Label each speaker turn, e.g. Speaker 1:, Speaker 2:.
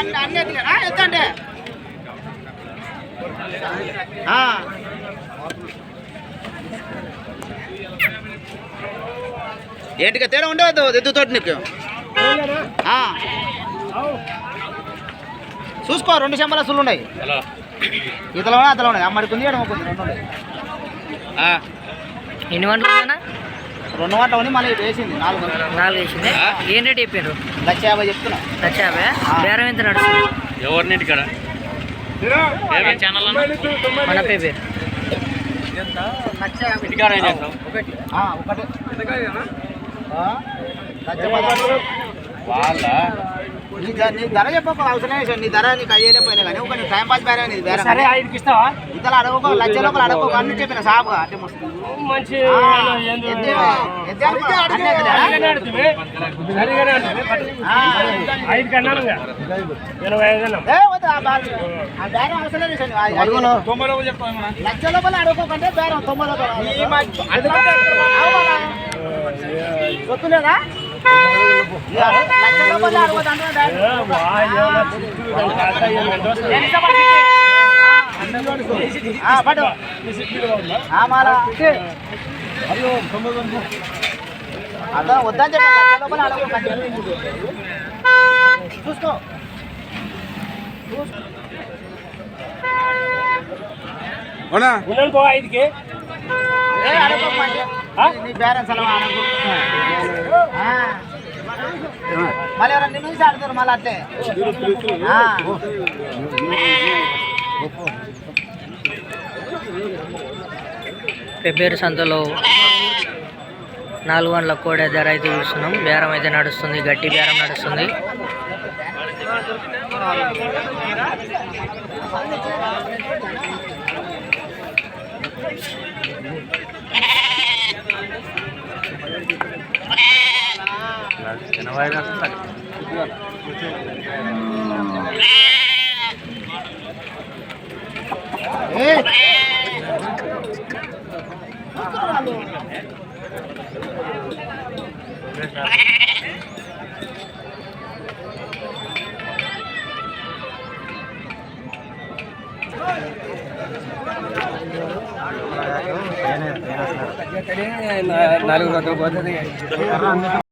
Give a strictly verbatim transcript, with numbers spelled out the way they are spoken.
Speaker 1: అన్ని ఎత్తండి. ఏంటిగా తేడా ఉండవద్దు ఎద్దుతోటి నీకు. చూసుకో రెండు చెంబలసులు ఉన్నాయి, ఇతలోనే అతలో ఉన్నాయి. అమ్మడికి ఉంది ఎడమకుంది రెండు ఉన్నాయి.
Speaker 2: ఎన్ని వంటలు
Speaker 1: రెండు వంటలు ఉంది, మళ్ళీ వేసింది నాలుగు
Speaker 2: నాలుగు వేసింది. ఏం రేట్ చెప్పారు?
Speaker 1: లక్ష యాభై చెప్తున్నా.
Speaker 2: లక్ష యాభై బేరం ఎంత నడుస్తుంది?
Speaker 3: ఎవరినింటి ఇక్కడ
Speaker 2: మన పేరు
Speaker 1: వాళ్ళ నీ ధర చెప్పక అవసరం లేదు. నీ ధర నీకు అయ్యేదే పోయినా కానీ ఒక నీ టైం పాస్ బేరే వేరే ఇతర అడగకో లక్ష లోపల అడగకో అన్ని చెప్పిన సాపుగా అంటే లక్ష లోపల అడగకోకంటే బేరం తొంభై గుర్తులేదా? లక్ష రూపాయలు అడగదు అదా వద్దని చెప్పి లక్ష రూపాయలు అడగ చూసుకో.
Speaker 3: ఐదుకి
Speaker 1: నీ పేరెంట్స్ అలా మళ్ళీ ఎవరైనా నిన్ను చూసి ఆడుతారు మళ్ళీ అట్లే.
Speaker 2: పెబ్బేరు సంతలో నాలుగు వందల కోడే ధర అయితే చూస్తున్నాం. బేరం అయితే నడుస్తుంది, గట్టి బేరం నడుస్తుంది.
Speaker 3: నాలుగు వందల